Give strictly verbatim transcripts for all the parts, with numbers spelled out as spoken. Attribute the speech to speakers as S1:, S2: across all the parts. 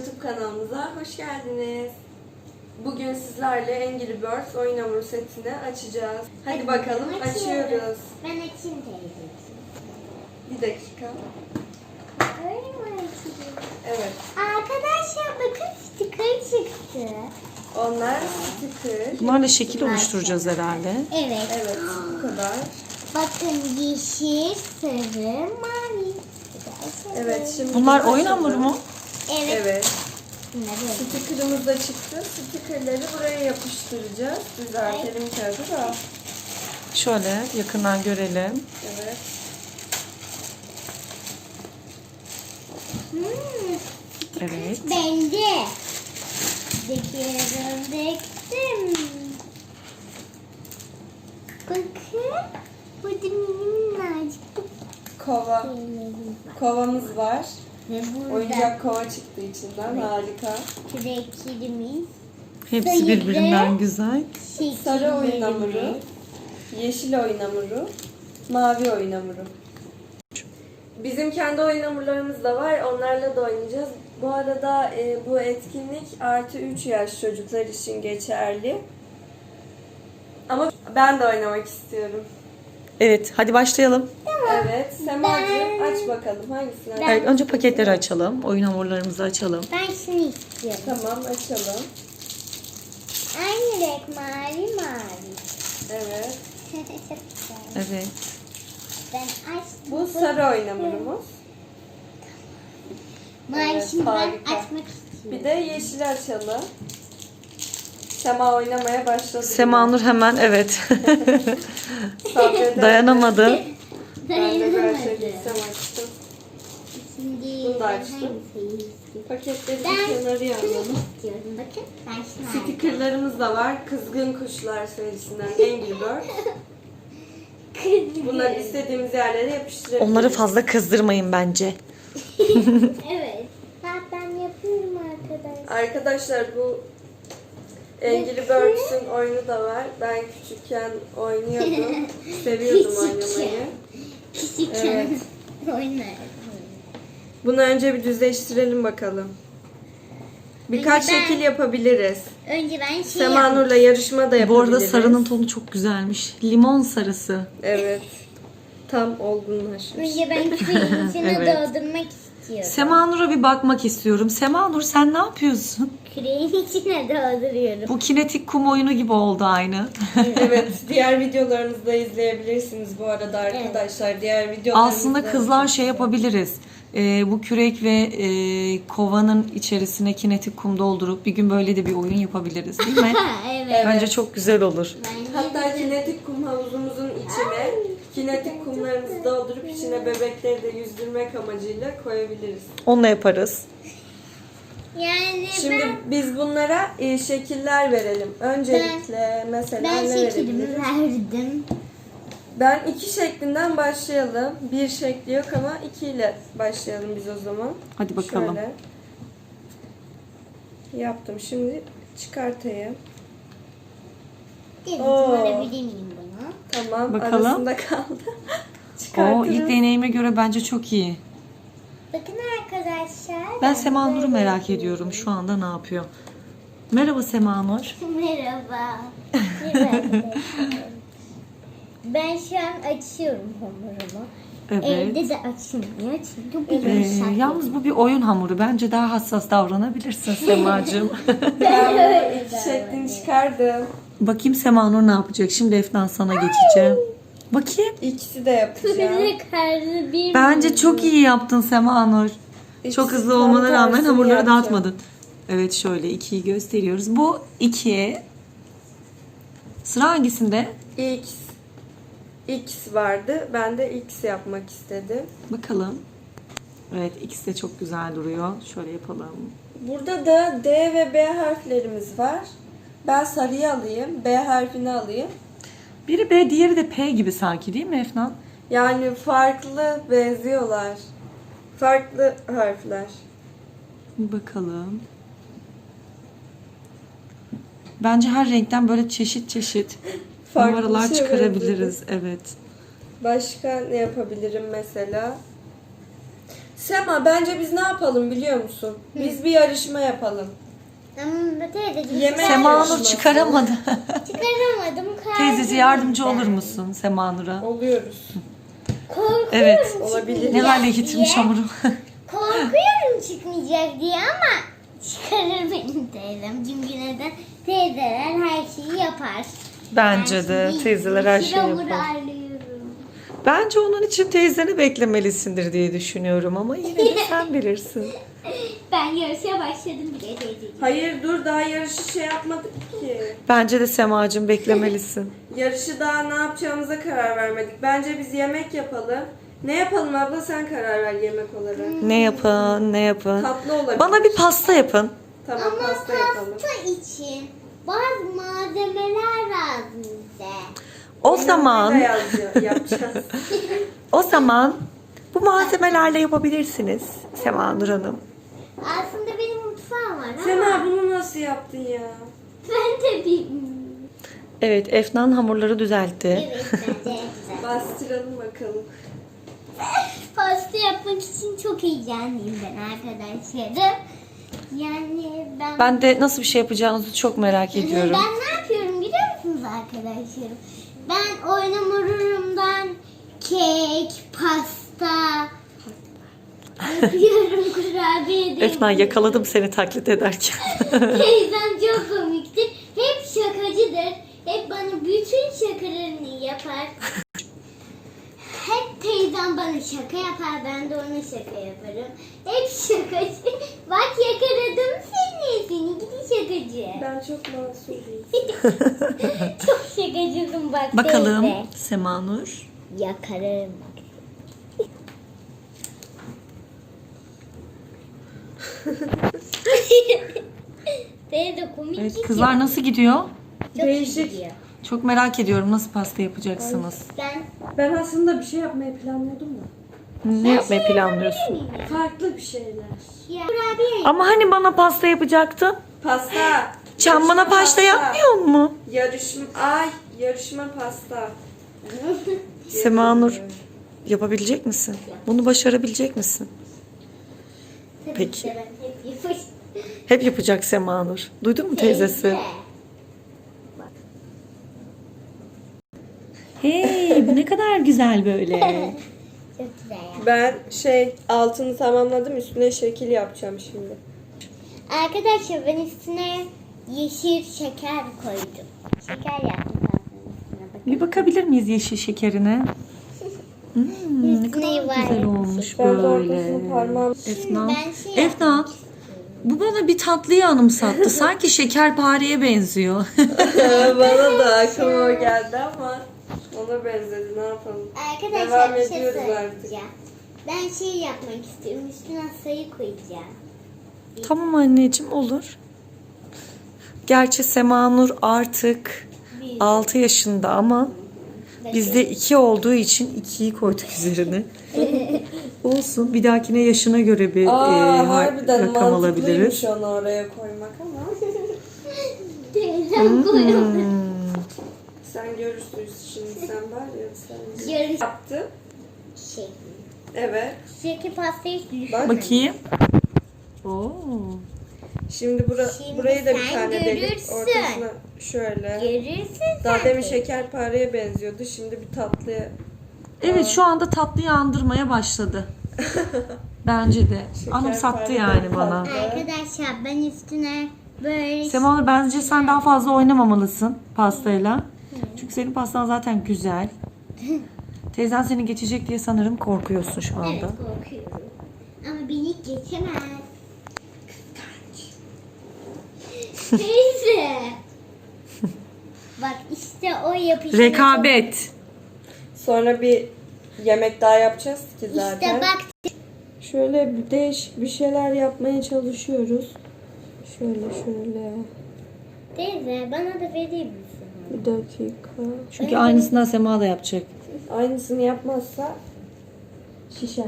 S1: YouTube kanalımıza hoş geldiniz. Bugün sizlerle Angry Birds oyun hamuru setini açacağız. Hadi, Hadi bakalım açıyoruz.
S2: Ben açayım teyzeciğim.
S1: Bir dakika.
S2: Öyle mi açayım?
S1: Evet.
S2: Arkadaşlar bakın sticker çıktı.
S1: Onlar sticker.
S3: Bunlarla şekil oluşturacağız herhalde.
S2: Evet.
S1: Evet, bu kadar.
S2: Bakın yeşil, sarı, mavi.
S1: Evet, şimdi
S3: Bunlar
S1: biz
S3: oyun
S1: açalım.
S3: hamuru mu?
S2: Evet.
S1: Evet.
S2: Bunları
S1: Sticker'ımız da çıktı. Sticker'ları buraya yapıştıracağız. Düzeltelim kağıdı da.
S3: Şöyle yakından görelim.
S1: Evet.
S2: Hmm,
S3: Evet.
S2: bence. Döküyorum, döktüm. Bakın. Burada minnacık
S1: Kova.
S2: şeylerimiz var.
S1: Kovamız var.
S2: Ve burada
S1: Oyuncak kova çıktı içinden. Harika.
S2: küreklerimiz,
S3: Hepsi
S2: Sayılı.
S3: birbirinden güzel.
S1: Sarı oyun
S2: şekillerimiz.
S1: hamuru, yeşil oyun hamuru, mavi oyun hamuru. Bizim kendi oyun hamurlarımız da var. Onlarla da oynayacağız. Bu arada e, bu etkinlik artı üç yaş çocuklar için geçerli. Ama ben de oynamak istiyorum.
S3: Evet, hadi başlayalım.
S1: Evet. Semacığım aç bakalım. Hangisini aç?
S3: Evet, önce paketleri açalım. Oyun hamurlarımızı açalım.
S2: Ben şunu istiyorum.
S1: Tamam, açalım.
S2: Aynı renk mavi mavi.
S1: Evet.
S2: Çok güzel.
S3: Evet.
S2: Ben açtım.
S1: Bu sarı oyun hamurumuz.
S2: Mavi
S1: Evet,
S2: şimdi ben
S1: harika.
S2: açmak istiyorum.
S1: Bir de yeşili açalım. Sema oynamaya başladı.
S3: Semanur hemen evet.
S1: Sabredemedi.
S3: Dayanamadı.
S1: Ben de böyle
S2: Dayanamadım.
S1: gitsem açtım.
S2: Şimdi
S1: Bunu da
S2: ben
S1: açtım.
S2: hangisini istiyorum?
S1: Paketleri
S2: Ben
S1: bir kenarıya
S2: şunu
S1: alalım.
S2: istiyorum. Bakın ben şunu aldım.
S1: Stickerlarımız da var. Kızgın Kuşlar serisinden Angry Birds.
S2: Kızım.
S1: Bunları istediğimiz yerlere yapıştırabiliriz.
S3: Onları fazla kızdırmayın bence.
S2: Evet. Ben, ben yapıyorum arkadaşlar.
S1: Arkadaşlar bu Angry Birds'ün oyunu da var. Ben küçükken oynuyordum. Seviyordum oynamayı.
S2: Küçükken
S1: Evet.
S2: oynardım.
S1: Bunu önce bir düzleştirelim bakalım. Birkaç
S2: Önce ben-
S1: şekil yapabiliriz.
S2: Önce ben şey
S1: Sema Nur'la yarışma da
S3: Bu
S1: yapabiliriz.
S3: arada sarının tonu çok güzelmiş. Limon sarısı.
S1: Evet. Tam olgunlaşmış.
S2: Önce ben küreğin içine
S3: Evet.
S2: doldurmak istiyorum.
S3: Semanur'a bir bakmak istiyorum. Semanur sen ne yapıyorsun?
S2: Küreğin içine dolduruyorum.
S3: Bu kinetik kum oyunu gibi oldu aynı.
S1: Evet, diğer videolarımızda izleyebilirsiniz bu arada arkadaşlar. Diğer videolarımızda
S3: Aslında kızlar şey yapabiliriz. Ee, bu kürek ve e, kovanın içerisine kinetik kum doldurup bir gün böyle de bir oyun yapabiliriz değil mi?
S2: Evet.
S3: Bence çok güzel olur.
S2: Bence
S1: Hatta
S2: de-
S1: kinetik kum havuzumuzun içine kinetik kumlarımızı doldurup içine bebekleri de yüzdürmek amacıyla koyabiliriz.
S3: Onunla yaparız.
S2: Yani
S1: Şimdi
S2: ben,
S1: biz bunlara e, şekiller verelim. Öncelikle mesela
S2: ben
S1: ne
S2: şeklimi
S1: verebiliriz?
S2: verdim.
S1: Ben iki şeklinden başlayalım. Bir şekli yok ama iki ile başlayalım biz o zaman.
S3: Hadi bakalım.
S1: Şöyle. Yaptım. Şimdi çıkartayım.
S2: Dedim
S1: Oo.
S2: alabilir miyim bunu?
S1: Tamam.
S3: Bakalım.
S1: Arasında kaldı.
S3: O
S1: Çıkartırım.
S3: ilk deneyime göre bence çok iyi.
S2: Bakın arkadaşlar.
S3: Ben Semanur'u
S2: böyle
S3: merak
S2: yapıyorum.
S3: ediyorum. Şu anda ne yapıyor? Merhaba Semanur.
S2: Merhaba. Merhaba. Ben şu an açıyorum hamurumu.
S3: Evet.
S2: Evde de açılmıyor çünkü bir
S3: Ee,
S2: yumuşak.
S3: yalnız bu bir oyun hamuru. Bence daha hassas davranabilirsin Semacığım.
S1: Ben bunu iki şeklini çıkardım.
S3: Bakayım Semanur ne yapacak? Şimdi Efnan sana geçeceğim. Bakayım.
S1: İkisi de yapacağım.
S2: Kırmızı karlı bir
S3: Bence çok iyi yaptın Semanur. Çok
S1: İkisi
S3: hızlı
S1: tam
S3: olmana rağmen
S1: tersini
S3: hamurları
S1: yapacağım.
S3: dağıtmadın. Evet şöyle ikiyi gösteriyoruz. Bu iki. Sıra hangisinde?
S1: X. X vardı. Ben de X yapmak istedim.
S3: Bakalım. Evet ikisi de çok güzel duruyor. Şöyle yapalım.
S1: Burada da D ve B harflerimiz var. Ben sarıyı alayım. B harfini alayım.
S3: Biri B, diğeri de P gibi sanki değil mi Efnan?
S1: Yani farklı benziyorlar. Farklı harfler.
S3: Bir bakalım. Bence her renkten böyle çeşit çeşit
S1: Farklı
S3: numaralar
S1: şey
S3: çıkarabiliriz. Evet.
S1: Başka ne yapabilirim mesela? Sema bence biz ne yapalım biliyor musun? Biz bir yarışma yapalım.
S2: Ama teyzeciğim
S1: Yemek-
S3: Semanur
S1: yarışması.
S3: çıkaramadı.
S2: çıkaramadım.
S3: Teyzesi yardımcı olur musun Semanur'a?
S1: Oluyoruz.
S2: Korkuyorum
S3: Evet.
S1: Olabilir.
S2: çıkmayacak
S3: Ne hale
S2: diye.
S3: getirmiş hamuru.
S2: Korkuyorum çıkmayacak diye ama çıkarır benim teyzem. Çünkü neden? Teyzeler her şeyi yapar.
S3: Bence
S2: Ben
S3: de
S2: şimdi
S3: teyzeler her
S2: yeşil
S3: şeyi
S2: hamuru
S3: yapar.
S2: arıyorum.
S3: Bence onun için teyzeni beklemelisindir diye düşünüyorum ama yine de sen bilirsin.
S2: Ben yarışa başladım bile teyzeciğim.
S1: Hayır dur daha yarışı şey yapmadık ki.
S3: Bence de Semacığım beklemelisin.
S1: Yarışı daha ne yapacağımıza karar vermedik. Bence biz yemek yapalım. Ne yapalım abla sen karar ver yemek olarak.
S3: Ne yapın, ne yapın.
S1: Tatlı olabilir.
S3: Bana bir pasta yapın.
S1: Tamam
S2: Ama
S1: pasta yapalım.
S2: pasta için bazı malzemeler lazım bize.
S3: O
S1: Onları da
S3: zaman,
S1: yazıyor- yapacağız.
S3: o zaman bu malzemelerle yapabilirsiniz Semanur Hanım.
S2: Aslında benim mutfağım var ama
S1: Sema bunu nasıl yaptın ya?
S2: ben de bilmiyorum.
S3: Evet, Efnan hamurları düzeltti.
S2: Evet bence güzel.
S1: Bastıralım bakalım.
S2: Pasta yapmak için çok heyecanlıyım ben arkadaşlarım. Yani ben...
S3: Ben de nasıl bir şey yapacağınızı çok merak ediyorum.
S2: Ben ne yapıyorum biliyor musunuz arkadaşlarım? Ben oyun hamurumdan kek, pasta yapıyorum, kurabiye de
S3: Efnan yakaladım seni taklit ederken.
S2: Teyzem çok komiktir. Hep şakacıdır. Hep bana bütün şakalarını yapar. Hep teyzem bana şaka yapar. Ben de ona şaka yaparım. Hep şakacı. Bak yakaladım seni. Seni gidi şakacı.
S1: Ben çok masumum.
S2: Çok şakacısın bak
S3: Bakalım
S2: teyze.
S3: Semanur.
S2: Yakarım bak. Teyze komik
S3: Evet,
S2: gidiyor.
S3: kızlar nasıl gidiyor?
S2: Çok iyi
S1: Değişik.
S2: gidiyor.
S3: Çok merak ediyorum nasıl pasta yapacaksınız.
S2: Ben
S1: Ben aslında bir şey yapmayı planlıyordum da.
S3: Ne yapmayı planlıyorsun?
S1: Farklı bir şeyler.
S2: ya, kurabiye
S3: Ama hani bana pasta yapacaktın?
S1: Pasta.
S3: Sen bana
S1: Yarışma
S3: pasta yapmıyor mu?
S1: Yarışma, ay yarışma pasta.
S3: Semanur yapabilecek misin? Bunu başarabilecek misin?
S2: Tabii
S3: Peki.
S2: ki de ben hep yapıştım.
S3: Hep yapacak Semanur. Duydun mu teyzesi?
S2: Teyze.
S3: Hey bu ne kadar güzel böyle.
S2: Çok güzel ya.
S1: Ben şey altını tamamladım üstüne şekil yapacağım şimdi.
S2: Arkadaşlar ben üstüne yeşil şeker koydum. Şeker yaptım tatlının üstüne bakın.
S3: Bir bakabilir miyiz yeşil şekerine? Hmm, ne kadar
S2: Üstüne
S3: güzel
S2: var.
S3: olmuş
S1: Ben de
S3: böyle.
S1: ortasını parmağım.
S3: Efnan.
S2: Ben şey
S3: Efnan. Bu bana bir tatlıyı anımsattı. Sanki şekerpareye benziyor.
S1: Bana da aklıma o geldi ama ona benzedi ne yapalım.
S2: Arkadaşlar
S1: Devam
S2: bir şey
S1: ediyoruz
S2: söyleyeceğim. Ben şey yapmak istiyorum. Üstüne sayı koyacağım.
S3: Tamam anneciğim olur. Gerçi Semanur artık
S2: Büyük.
S3: altı yaşında ama bizde iki olduğu için ikiyi koyduk üzerine. Olsun. Bir dahakine yaşına göre bir
S1: Aa
S3: e,
S1: harbiden
S3: rakam
S1: mantıklıymış
S3: alabiliriz.
S1: onu oraya koymak ama.
S2: Teyzem koyuyor.
S3: Hmm.
S1: Sen görürsün şimdi sen var ya sen.
S2: Yarış
S1: Yaptı.
S2: şey.
S1: Evet.
S2: Şeker pastayı hiç
S1: Bak.
S3: Bakayım. Oo.
S1: Şimdi, bura,
S2: Şimdi
S1: burayı da bir
S2: sen
S1: tane delip
S2: görürsün.
S1: ortasına şöyle.
S2: Görürsün
S1: Daha
S2: sen
S1: demin
S2: de.
S1: şekerpareye benziyordu. Şimdi bir tatlıya.
S3: Evet şu anda tatlıyı andırmaya başladı. Bence de. Anımsattı yani bana.
S2: Arkadaşlar ben üstüne böyle
S3: Semanur bence sen daha fazla oynamamalısın pastayla. Çünkü senin pastan zaten güzel. Teyzen seni geçecek diye sanırım korkuyorsun şu
S2: evet,
S3: anda.
S2: korkuyorum. Ama beni geçemez. Teyze. Bak işte o yapışma.
S3: Rekabet.
S1: Sonra bir yemek daha yapacağız ki zaten.
S2: İşte bak
S1: Şöyle bir değişik bir şeyler yapmaya çalışıyoruz. Şöyle şöyle.
S2: teyze bana da verir misin?
S1: Bir dakika.
S3: Çünkü aynısından Sema da yapacak.
S1: Aynısını yapmazsa şişer.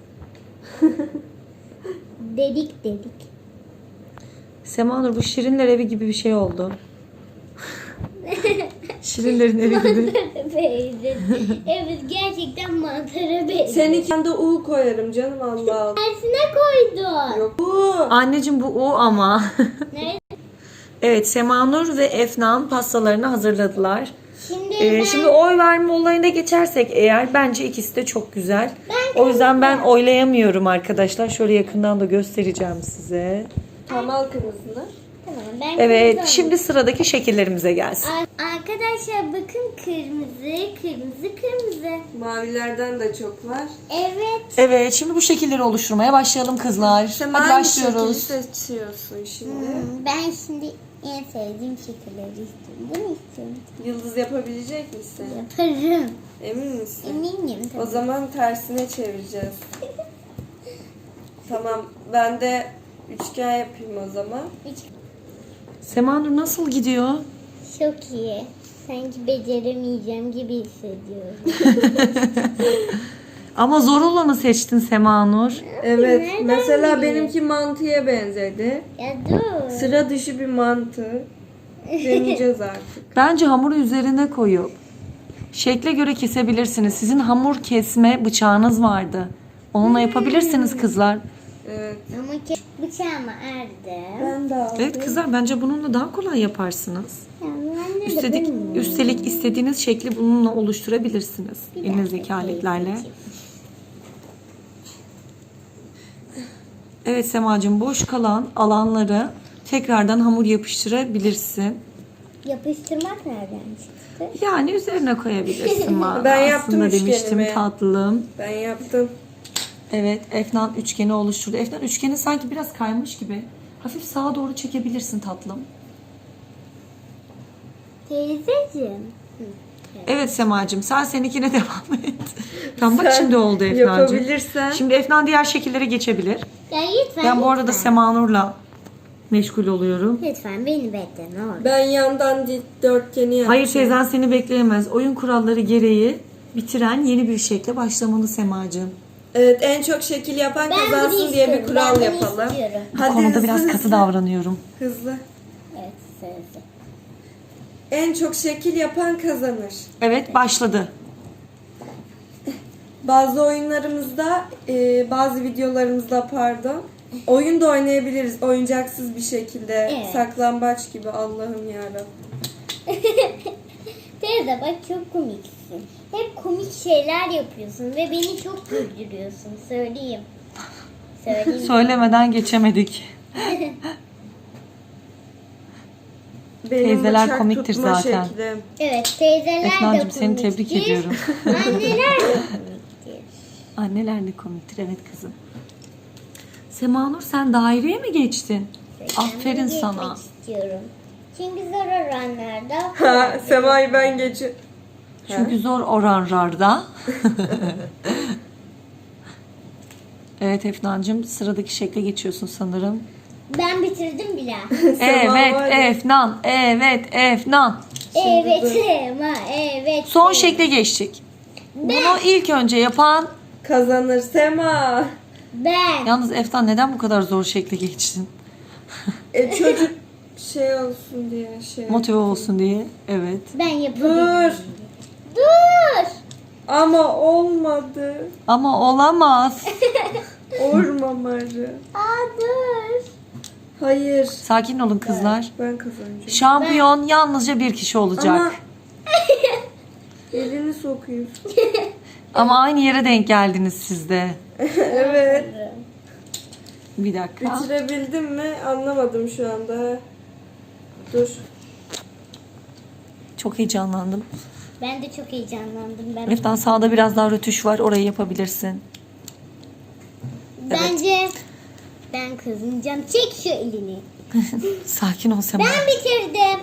S2: Dedik dedik.
S3: Semanur bu Şirinler evi gibi bir şey oldu. Şirinlerin evi gibi.
S2: Benziyor. Evet gerçekten mantara benziyor.
S1: Seninkinden de U koyarım canım, Allah Allah.
S2: Tersine koydun.
S1: Yok U.
S3: Anneciğim bu o ama.
S2: Nerede?
S3: Evet, Semanur ve Efnan pastalarını hazırladılar.
S2: Şimdi
S3: Ee,
S2: ben...
S3: şimdi oy verme olayına geçersek eğer, bence ikisi de çok güzel.
S2: Ben
S3: O yüzden ben oylayamıyorum arkadaşlar. Şöyle yakından da göstereceğim size.
S1: Tam al kırmızını.
S2: Tamam, ben
S3: Evet,
S2: kırmızı
S3: şimdi sıradaki şekillerimize gelsin.
S2: alayım. Ar- Arkadaşlar bakın, kırmızı, kırmızı, kırmızı.
S1: Mavilerden de çok var.
S2: Evet.
S3: Evet, şimdi bu şekilleri oluşturmaya başlayalım kızlar.
S1: Sen
S3: Hadi
S1: hangi
S3: başlıyoruz.
S1: şekli seçiyorsun şimdi?
S2: Hmm, ben şimdi en sevdiğim şekilleri istiyorum. Bunu istiyorum.
S1: Yıldız yapabilecek misin?
S2: Yaparım.
S1: Emin misin?
S2: Eminim
S1: O
S2: tabii.
S1: zaman tersine çevireceğiz. Tamam, ben de üçgen yapayım o zaman.
S2: Hiç
S3: Semanur nasıl gidiyor?
S2: çok iyi. Sanki beceremeyeceğim gibi hissediyorum.
S3: Ama zor olanı seçtin Semanur.
S1: Evet,
S2: Nereden
S1: mesela
S2: biliyorsun?
S1: benimki mantıya benzedi.
S2: Ya dur.
S1: Sıra dışı bir mantı. Deneyeceğiz artık.
S3: Bence hamuru üzerine koyup şekle göre kesebilirsiniz. Sizin hamur kesme bıçağınız vardı. Onunla yapabilirsiniz kızlar.
S1: Evet.
S2: Ama ke bıçağımı erdi.
S1: Ben de aldım.
S3: Evet kızlar, bence bununla daha kolay yaparsınız.
S2: Ya ben de
S3: Üstelik,
S2: bunu-
S3: üstelik istediğiniz şekli bununla oluşturabilirsiniz.
S2: Bir
S3: Elinizdeki
S2: dakika,
S3: aletlerle.
S2: teyzeciğim.
S3: Evet Semacığım, boş kalan alanları tekrardan hamur yapıştırabilirsin.
S2: Yapıştırmak nereden çıktı?
S3: Yani üzerine koyabilirsin manasında
S1: Ben yaptım
S3: demiştim
S1: üçgenimi.
S3: tatlım.
S1: Ben yaptım.
S3: Evet, Efnan üçgeni oluşturdu. Efnan üçgeni sanki biraz kaymış gibi. Hafif sağa doğru çekebilirsin tatlım.
S2: Teyzeciğim.
S3: Evet Semacığım, sen seninkine devam et. Tamam bak,
S1: Sen
S3: şimdi oldu Efnancığım.
S1: yapabilirsen.
S3: Şimdi Efnan diğer şekillere geçebilir.
S2: Ya lütfen.
S3: Ben bu arada
S2: lütfen.
S3: Semanur'la meşgul oluyorum.
S2: Lütfen beni bekle ne olur.
S1: Ben yandan dikdörtgeni yaptım.
S3: Hayır, teyzen seni bekleyemez. Oyun kuralları gereği bitiren yeni bir şekle başlamalı Semacığım.
S1: Evet, en çok şekil yapan
S2: Ben bunu
S1: kazansın diye bir
S2: istiyorum,
S1: kural
S2: ben bunu
S1: yapalım.
S2: istiyorum.
S3: Bu konuda biraz katı davranıyorum.
S1: Hızlı.
S2: Evet sözü.
S1: En çok şekil yapan kazanır.
S3: Evet, başladı.
S1: Bazı oyunlarımızda, e, bazı videolarımızda pardon, oyun da oynayabiliriz oyuncaksız bir şekilde.
S2: Evet.
S1: Saklambaç gibi, Allah'ım yarabbim.
S2: Teyze bak, çok komiksin. Hep komik şeyler yapıyorsun ve beni çok güldürüyorsun. Söyleyeyim. Söyleyeyim.
S3: Söylemeden geçemedik.
S1: Benim
S3: Teyzeler
S1: bıçak
S3: komiktir
S1: tutma
S3: zaten.
S1: şeklim.
S2: Evet, teyzeler de
S3: Efnancığım,
S2: komiktir.
S3: seni tebrik ediyorum.
S2: Anneler de komiktir.
S3: Anneler de komiktir, evet kızım. Semanur, sen daireye mi geçtin? Aferin
S2: Ben
S3: sana.
S2: geçmek istiyorum. Çünkü zor oranlarda.
S1: Ha, Sema'yı ben geçiyorum.
S3: Çünkü zor oranlarda. Evet Efnancığım, sıradaki şekle geçiyorsun sanırım.
S2: Ben bitirdim bile.
S3: Evet
S1: var ya.
S3: Efnan, evet Efnan.
S2: Evet Sema, evet.
S3: Son
S2: Sema.
S3: şekle geçtik. Bunu ilk önce yapan...
S1: Kazanır Sema.
S2: Ben.
S3: Yalnız Efnan, neden bu kadar zor şekle geçtin?
S1: E, çocuk şey olsun diye şey.
S3: Motive olsun diye. Evet.
S2: Ben yapabilirim.
S1: Dur.
S2: Dur.
S1: Ama olmadı.
S3: Ama olamaz.
S1: Ormamarı.
S2: Aa dur.
S1: Hayır.
S3: Sakin olun kızlar.
S1: Ben kazanacağım.
S3: Şampiyon yalnızca bir kişi olacak.
S1: Ama elini sokuyorsun.
S3: Ama aynı yere denk geldiniz siz de.
S1: Evet.
S3: Bir dakika.
S1: Bitirebildim mi? Anlamadım şu anda. Dur.
S3: Çok heyecanlandım.
S2: Ben de çok heyecanlandım. Ben
S3: Efnan, sağda biraz daha rötuş var. Orayı yapabilirsin.
S2: Bence ben kazanacağım. Çek şu elini.
S3: Sakin ol Sema.
S2: Ben bitirdim.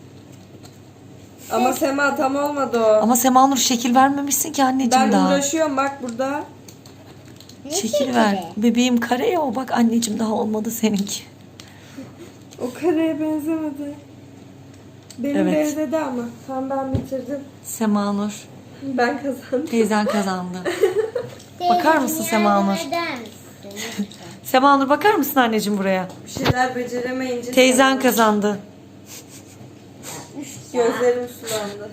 S1: Ama Sema tam olmadı o.
S3: Ama Semanur, şekil vermemişsin ki anneciğim
S1: Ben
S3: daha.
S1: uğraşıyorum bak burada.
S2: Ne
S3: Şekil
S2: şekli?
S3: ver. Bebeğim kare ya o. Bak anneciğim, daha olmadı seninki.
S1: O kareye benzemedi. Benim
S3: Evet.
S1: benzedi ama. Tamam, ben bitirdim.
S3: Semanur.
S1: Ben kazandım.
S3: Teyzen kazandı.
S2: Teyze,
S3: Bakar mısın
S2: yardım
S3: Semanur?
S2: eder misin? Lütfen.
S3: Semanur, bakar mısın anneciğim buraya?
S1: Bir şeyler beceremeyince.
S3: Teyzen
S1: Sema-
S3: kazandı.
S2: Üç
S1: Gözlerim sulandı.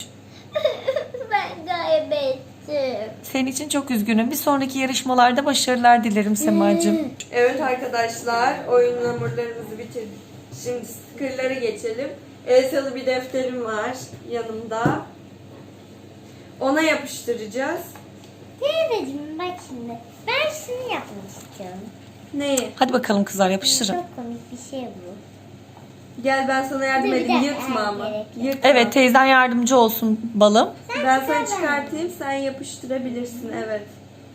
S2: Ben kaybettim.
S3: Senin için çok üzgünüm. Bir sonraki yarışmalarda başarılar dilerim Semacığım.
S1: Evet arkadaşlar, oyun hamurlarımızı bitirdik. Şimdi stickerlara geçelim. Elsalı bir defterim var yanımda. Ona yapıştıracağız.
S2: Teyzeciğim bak şimdi. Ben şunu yapmak istiyorum.
S1: Neyi?
S3: Hadi bakalım kızlar yapıştırın.
S2: Çok komik bir şey bu.
S1: Gel ben sana yardım
S2: Bir
S1: edeyim.
S2: dakika,
S1: Yırtma ama.
S2: gerek yok.
S1: Yırtma.
S3: Evet, teyzen yardımcı olsun balım.
S1: Ben sana çıkartayım, sen yapıştırabilirsin. Evet.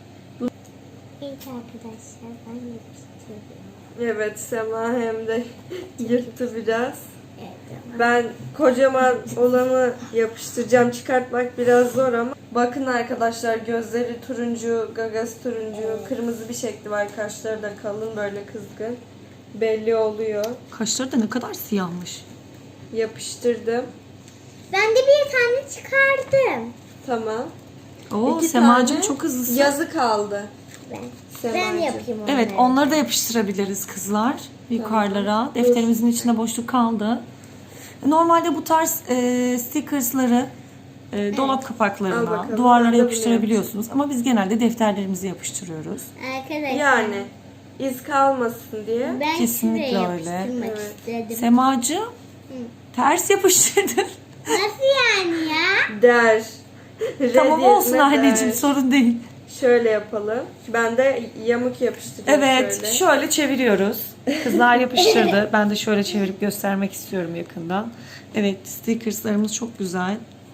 S2: İlk arkadaşlar ben yapıştırıyorum.
S1: Evet, Sema hem de yırttı biraz.
S2: Evet ama.
S1: Ben kocaman olanı yapıştıracağım. Çıkartmak biraz zor ama. Bakın arkadaşlar, gözleri turuncu, gagası turuncu, kırmızı bir şekli var. Kaşları da kalın, böyle kızgın. Belli oluyor.
S3: Kaşları da ne kadar siyahmış.
S1: Yapıştırdım.
S2: Ben de bir tane çıkardım.
S1: Tamam.
S3: Oo,
S1: İki
S3: Semacığım
S1: tane
S3: çok hızlısın.
S1: Yazı kaldı.
S2: Ben,
S1: Semacığım.
S2: ben yapayım onları.
S3: Evet, onları da yapıştırabiliriz kızlar yukarılara. Defterimizin içinde boşluk kaldı. Normalde bu tarz e, stickersları e, dolap
S1: Al
S3: kapaklarına,
S1: bakalım, ben
S3: duvarlara
S1: de bunu
S3: yapıştırabiliyorsunuz. Ama biz genelde defterlerimizi yapıştırıyoruz.
S2: Arkadaşlar.
S1: Yani iz kalmasın diye.
S2: Ben
S3: Kesinlikle
S2: şuraya
S3: öyle.
S2: yapıştırmak
S1: Evet.
S2: istedim.
S3: Semacığım, ters yapıştırdın.
S2: Nasıl yani ya?
S1: Der.
S3: Tamam
S1: Red
S3: olsun
S1: yerine
S3: anneciğim,
S1: der.
S3: sorun değil.
S1: Şöyle yapalım. Ben de yamuk yapıştıracağım
S3: Evet,
S1: şöyle.
S3: şöyle çeviriyoruz. Kızlar yapıştırdı. Ben de şöyle çevirip göstermek istiyorum yakından. Evet, stickerslarımız çok güzel.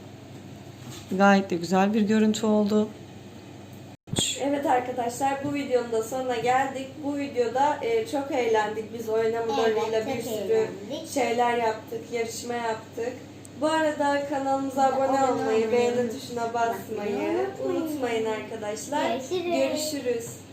S3: Gayet de güzel bir görüntü oldu.
S1: Evet arkadaşlar, bu videonun da sonuna geldik. Bu videoda e, çok eğlendik. Biz oyun hamurlarıyla
S2: Evet,
S1: bir
S2: çok
S1: sürü
S2: eğlendik.
S1: şeyler yaptık, yarışma yaptık. Bu arada kanalımıza abone
S2: Abone
S1: olmayı,
S2: olmayı,
S1: beğeni tuşuna basmayı
S2: unutmayın.
S1: unutmayın arkadaşlar.
S2: Görüşürüz.
S1: Görüşürüz.